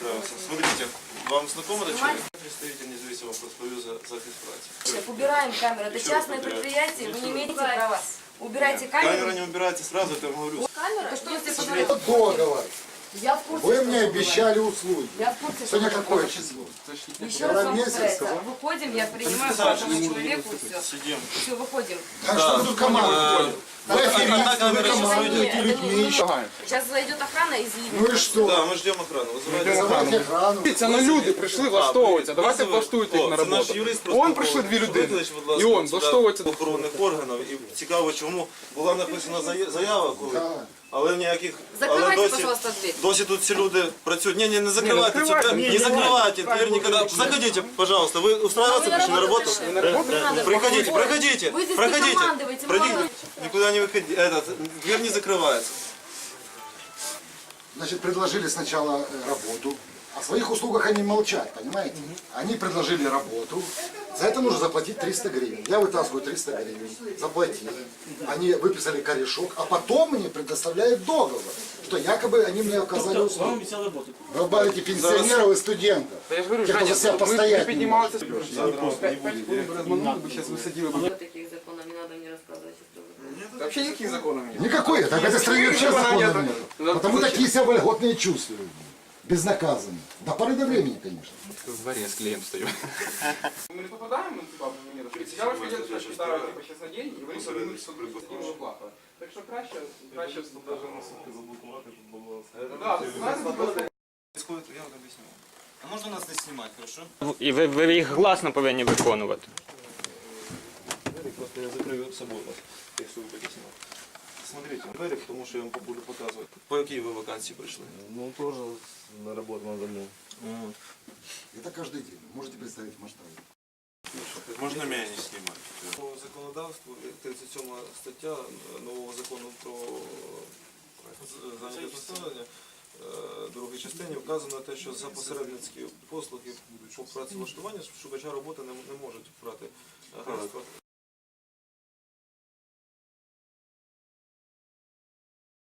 устраиваться. Смотрите, вам знакомо это человек? Представитель независимого профсоюза «Захист праці». Убираем камеру. Это частное предприятие, вы не имеете права. Убирайте камеру. Камера не убирается сразу, это я вам говорю. Камера? Что тебе позволяет? Договор. Я в курсе. Вы мне обещали услуги. Я в курсе. Сегодня какое число? Еще раз вам повторяю. Выходим, я принимаю каждому человеку, все. Сидим. Все, выходим. А что вы тут команда? Вы Одна камера сейчас командуете выйдет. людьми. Сейчас зайдет охрана и Ну изъявит. и что? Да, ми ждемо охрану. Вызывайте охрану. Дивіться, ну люди прийшли влаштовуватися, давайте влаштуйте їх на роботу. Он прийшли дві людини, і он влаштовується. Охоронних органів. І цікаво, чому була написана заява, коли, але ніяких... Закрывайте, пожалуйста, дверь. Досі тут всі люди працюють. Не закривайте цю дверь, не закривайте дверь никогда. Заходите, пожалуйста. Вы устраиваться пришли на работу? Приходите, проходите, Вы здесь не проходите. командуете, Пройдите. Никуда не выходите. Дверь не закрывается. Значит, предложили сначала работу. О своих услугах они молчат, понимаете? Они предложили работу. За это нужно заплатить 300 гривен. Я вытаскиваю 300 гривен. Заплатил. Они выписали корешок, а потом мне предоставляют договор, что якобы они мне оказали услуги. Вы обманываете пенсионеров и студентов. Та я ж говорю, Те, кто Женя, за себя ви постоять не піднімалися. может. 5 хвилин би розманули, би зараз висадили б. Таких законов не надо мне рассказывать. Та взагалі ніяких законів немає. Никакой. Так в этой стране вообще закона нет. Потому такие себя вольготные чувствуют. Безнаказанно. До поры до времени, конечно. В дворі з клеєм стою. Ми не попадаємо, типа, в мені розповідь. Я ваш хотів щось питаю, типа, зараз на день, і вони собі судові оплата. Так що краще навіть на сутки заблокувати, щоб було... Так, знаєте, Я вам объясню. А можно нас не снимать, хорошо? І ви їх гласно повинні виконувати. Просто я закрою собой вас, если вы будете снимать. Смотрите, двери, потому что я вам буду показывать. По какие вы вакансии пришли? Ну, тоже на работу на дому. Это каждый день. Можете представить масштабы. Можно меня не снимать. По законодавству 37 стаття нового закону про зайнятість населення, другій частині вказано те, що за посередницькі послуги по працевлаштуванню шукача роботи не можуть брати агентства.